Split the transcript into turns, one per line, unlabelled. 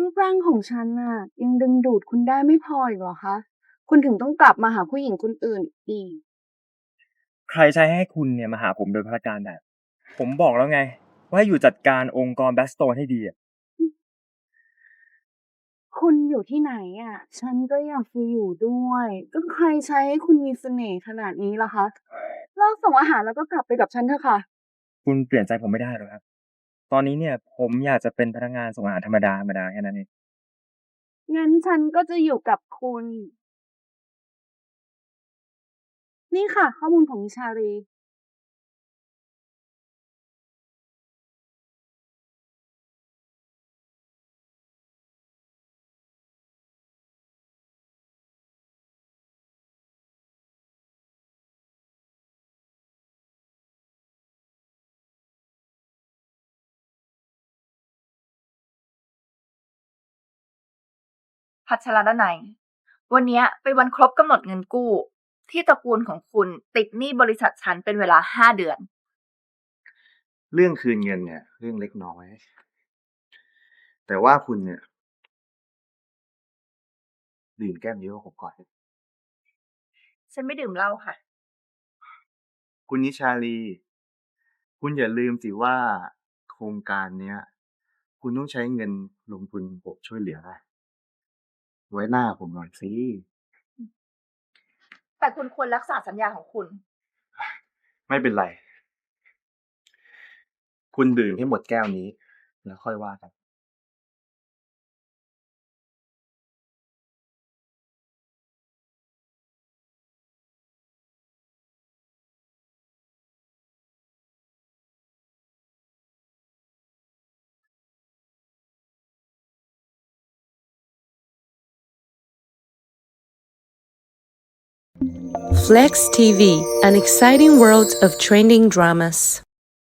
รูปร่างของฉันน่ะยังดึงดูดคุณได้ไม่พออีกเหรอคะคุณถึงต้องกลับมาหาผู้หญิงคนอื่นอีก
ใครใช้ให้คุณเนี่ยมาหาผมโดยพละการแบบ ผมบอกแล้วไงว่าให้อยู่จัดการองค์กร Blackstone ให้ดีอะ
คุณอยู่ที่ไหนอะฉันก็อยากจะอยู่ด้วยก็ใครใช้ให้คุณมีเสน่ห์ขนาดนี้ล่ะคะเลิกส่งอาหารแล้วก็กลับไปกับฉันเถอะค่ะ
คุณเปลี่ยนใจผมไม่ได้หรอกครับ ตอนนี้เนี่ยผมอยากจะเป็นพนักงานส่งอาหารธรรมดาๆแค่นั้นเอง
งั้นฉันก็จะอยู่กับคุณนี่ค่ะข้อมูลของนิชารี
พัชรดนัยวันนี้เป็นวันครบกำหนดเงินกู้ที่ตระกูลของคุณติดหนี้บริษัทฉันเป็นเวลา5 เดือน
เรื่องคืนเงินเนี่ยเรื่องเล็กน้อยแต่ว่าคุณเนี่ยดื่มแก้มเยอะกว่าผมก่อน
ฉันไม่ดื่มเหล้าค่ะ
คุณนิชาลีคุณอย่าลืมสิว่าโครงการเนี้ยคุณต้องใช้เงินลงทุนผมช่วยเหลือนะไว้หน้าผมหน่อยสิ
แต่คุณควรรักษาสัญญาของคุณ
ไม่เป็นไรคุณดื่มให้หมดแก้วนี้แล้วค่อยว่ากัน
Flex TV, an exciting world of trending dramas.